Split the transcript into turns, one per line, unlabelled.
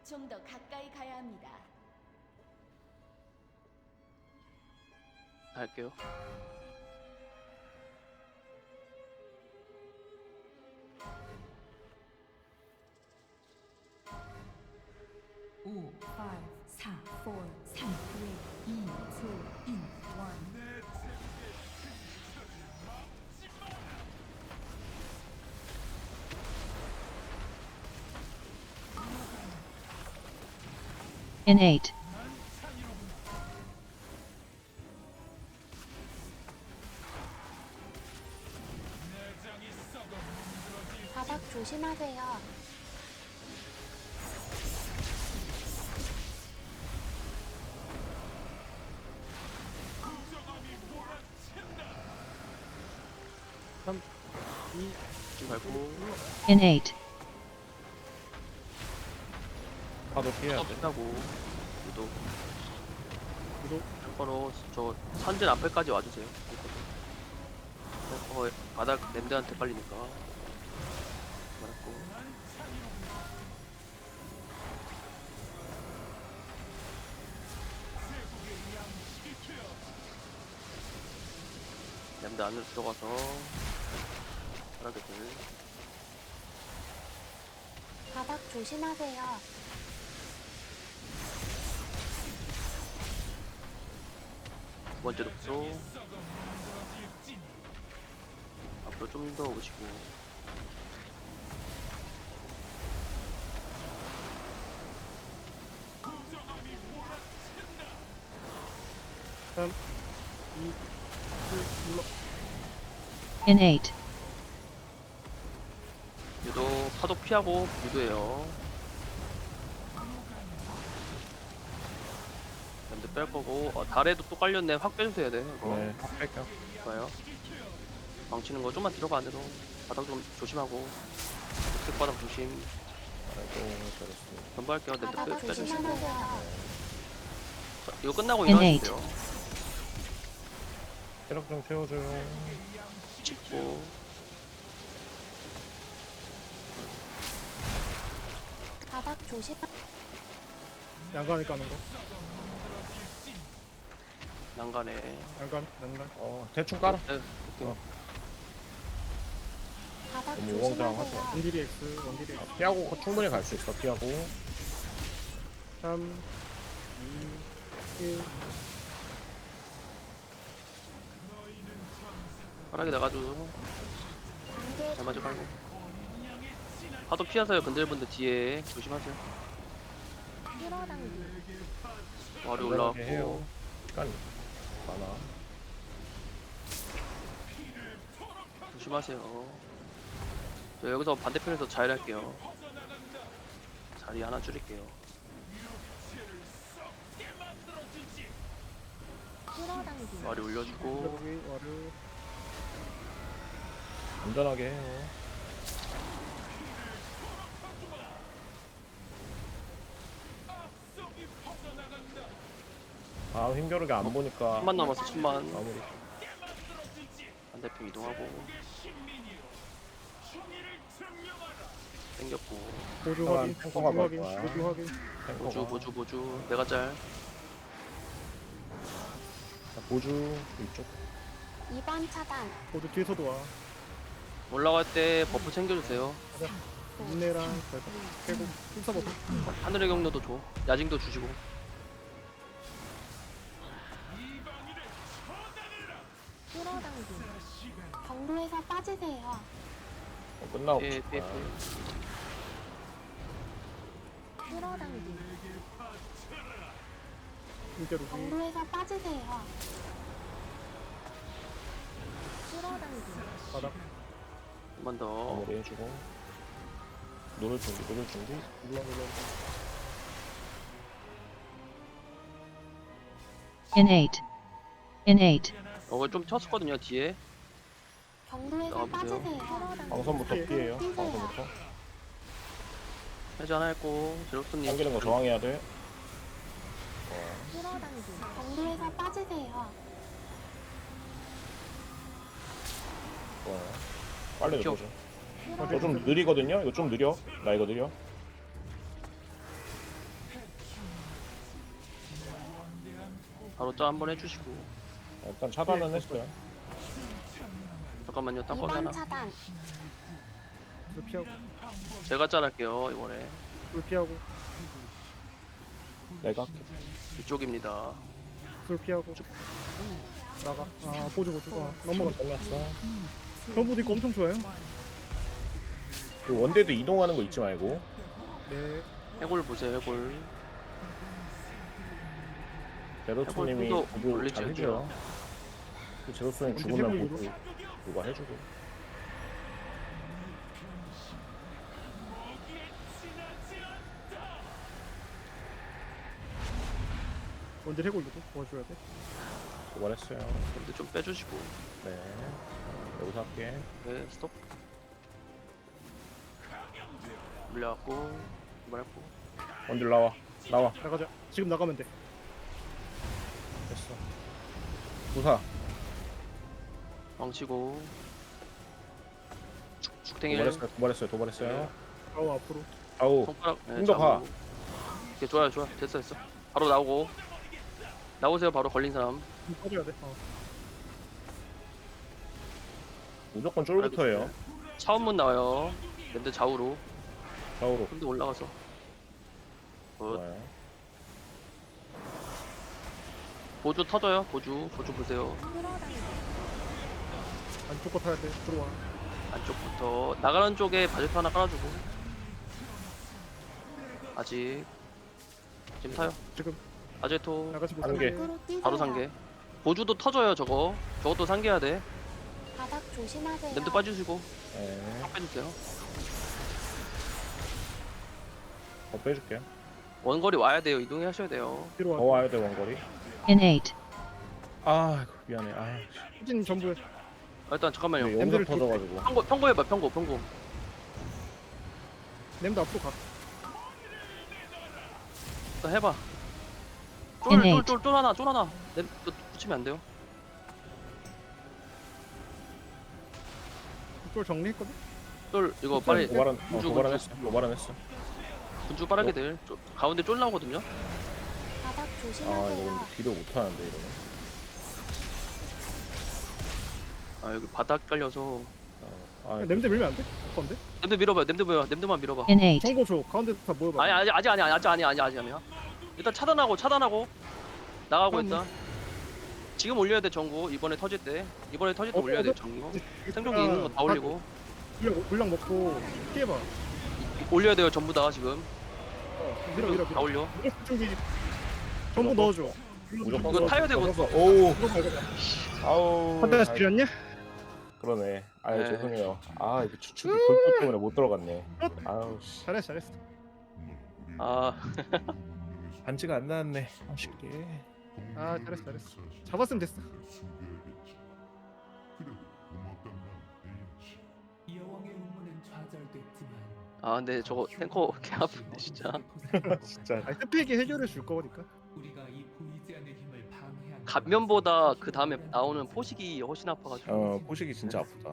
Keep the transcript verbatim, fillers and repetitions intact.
좀 더 가까이 가야 합니다.
할게요.
오, 파, 사, 사, 삼, 이, 이, 이, 일.
innate,
바닥 조심하세요.
삼, 이, 지금 밟고
innate,
파도 피해야 돼.
끝나고 유도
유도.
바로 저 선진 앞에까지 와주세요. 어, 바닥 냄새한테 빨리니까 말았고 냄새 안으로 들어가서 바닥에들
바닥 조심하세요.
두 번째 독소 앞으로 좀 더 오시고
삼, 이, 일, 눌러.
innate,
유도 파도 피하고 유도해요. 냄새 뺄 거고 어, 달에도 또 깔렸네. 확 빼주셔야 돼. 이거.
네, 확 뺄게요.
좋아요. 망치는 거 좀만 들어가 안으로. 바닥 좀 조심하고. 색 바닥 조심.
아이고, 잘했어.
전부할게요. 냄새
바닥
빼, 빼주시고.
조심하세요.
자, 이거 끝나고
Innate.
일어나주세요.
체력 좀 채워줘요.
짚고.
바닥 조심.
양간에 까는 거.
난간에.
양간, 양간.
어, 대충 깔아.
네, 오케이.
어.
바닥
너무 우왕좌왕하지 마.
조심하세요.
원딜이 X, 원딜이 X.
피하고 충분히 갈 수 있어. 피하고.
삼, 이, 일.
편하게 나가줘.
단계
잘 맞아 깔고. 파도 피하세요. 근들분들 뒤에. 조심하세요.
끌어당기.
머리
안전하게 해요.
올라왔고.
시간 많아.
조심하세요. 저 여기서 반대편에서 자일할게요. 자리 하나 줄일게요.
끌어당기.
머리 올려주고.
여기 와르.
안전하게 해요. 아, 힘겨루게 안 보니까.
천만 남았어. 천만.
마무리.
반대편 이동하고. 땡겼고.
보조
잠깐,
확인,
탱커가
보조 확인,
갈 거야.
보조 확인.
보주
탱커가.
보주 보주. 내가 짤.
자, 보주 이쪽.
이 번 차단.
보조 뒤에서도 와.
올라갈 때 버프 챙겨주세요.
인내랑 발사. 깨고, 필사 버프.
하늘의 경로도 줘. 야징도 주시고.
끌어당기. 경로에서 빠지세요.
어, 끝나고.
예,
싶다.
예, 예.
끌어당기.
일대로기.
경로에서 빠지세요. 끌어당기.
바닥.
한 번 더.
마무리 해주고. 노를 준비, 노를 준비.
눌러, 눌러.
innate, innate,
어, 좀 쳤었거든요, 뒤에.
경로에서
나와보세요.
빠지세요. 끌어당기.
방선부터
예.
피해요.
뛰세요.
방선부터.
해제 하나 했고. 제로스님.
당기는 거 저항해야 돼.
끌어당기. 경로에서 빠지세요.
좋아요. 빨리
좀.
들어줘.
끌어당기.
이거 좀 느리거든요? 이거 좀 느려. 나 이거 느려.
바로 짜 한번 해주시고.
일단 차단은 했어요.
잠깐만요. 딴거
이 번
하나.
차단.
불 피하고
제가 짤할게요 이번에.
불 피하고
내가 할게.
이쪽입니다.
불 피하고 나가. 아 보조 보조. 아, 넘어가.
잘랐어.
전부 이거 엄청 좋아요.
그 원대도 이동하는 거 잊지 말고.
네.
해골 보세요 해골.
제로투님이
해골
보조
올리지
잘 해줘요. 그 제로투님
언제
죽으면
해골
보조 누가 해주고.
언제 해골도 도와줘야 돼.
도발했어요.
근데 좀 빼주시고.
네. 여기서 할게.
네 스톱. 물려갖고 이발했고.
원딜 나와. 나와.
나가자. 지금 나가면 돼.
됐어. 부사.
망치고. 죽 죽탱이.
도발했어요. 도발했어요. 도발했어요.
아우 앞으로.
아우.
손가락. 네,
좀더 가.
잡고. 오케이 좋아요 좋아 됐어 됐어. 바로 나오고. 나오세요 바로 걸린 사람.
좀 빠져야 돼. 어.
무조건 쫄부터예요.
차원문 나와요. 랜드 좌우로.
좌우로.
좀 더 올라가서. 굿.
좋아요.
보조 터져요. 보조 보조 보세요.
안쪽 거 타야 돼. 들어와.
안쪽부터 나가는 쪽에 바제트 하나 깔아주고. 아직 지금 타요.
지금
아제토
나가지
한
못하게.
개.
밖으로 뛰세요.
바로 상계. 보조도 터져요 저거. 저것도 상계해야 돼.
바닥 조심하세요.
랜드 빠지시고
네.
딱 빼주세요.
더 빼줄게요.
원거리 와야 돼요. 이동하셔야 돼요.
뒤로
더
와.
와야 돼 원거리.
innate,
아 미안해. 아.
후진 전부.
아, 일단 잠깐만요.
근데
엠드를
용접 터져가지고.
평고 평고해봐 평고 평고.
램도 앞으로 가.
일단 해봐.
Innate.
쫄쫄쫄쫄 하나 쫄 하나. 내 너 붙이면 안 돼요.
이쪽 정리했거든.
쫄 이거 빨리
도발은 어,
군주
도발은
군주
했어. 도발은 했어.
군주 빠르게들. 쫄- 가운데 쫄 나오거든요.
바닥
아 이거
조심하세요.
근데 딜을 못 하는데 이러면.
아 여기 바닥 깔려서.
어, 아
램드 밀면 안 돼? 건데?
냄드 밀어봐요. 냄드 밀어. 냄드만 밀어봐.
innate,
정보 줘. 가운데 다 모여봐.
아니 아직 아직 아니 아직 아니 아니 아직 아니야. 일단 차단하고 차단하고 나가고
그럼
있다. 지금 올려야 돼 전구. 이번에 터질 때. 이번에 터질 때
어,
올려야 돼
어,
전구.
아,
생존기 있는 거 다 올리고.
물량, 물량 먹고 피해봐.
올려야 돼요 전부 다 지금.
어, 밀어 밀어
다
밀어.
올려.
준비. 전부 넣어줘.
무조건
이거 타야 되고.
터져서- 오.
이거 밟아.
아우.
한대
아,
지렸냐?
그러네. 아
네.
죄송해요. 아 이거 추측이 골프 때문에 못 들어갔네. 아우 씨.
잘했어 잘했어.
아
반지가 안 나왔네. 아쉽게.
아 잘했어 잘했어. 잡았으면 됐어.
여왕의 음모는 좌절됐지만
아 근데 저거 탱커 개 아픈데 진짜.
진짜.
아니 스피에게 해결해 줄 거니까.
우리가 이 보이지 않는 힘을 방해한
갓면보다 그 다음에 나오는 포식이 훨씬 아파가지고.
어 포식이 진짜 아프다.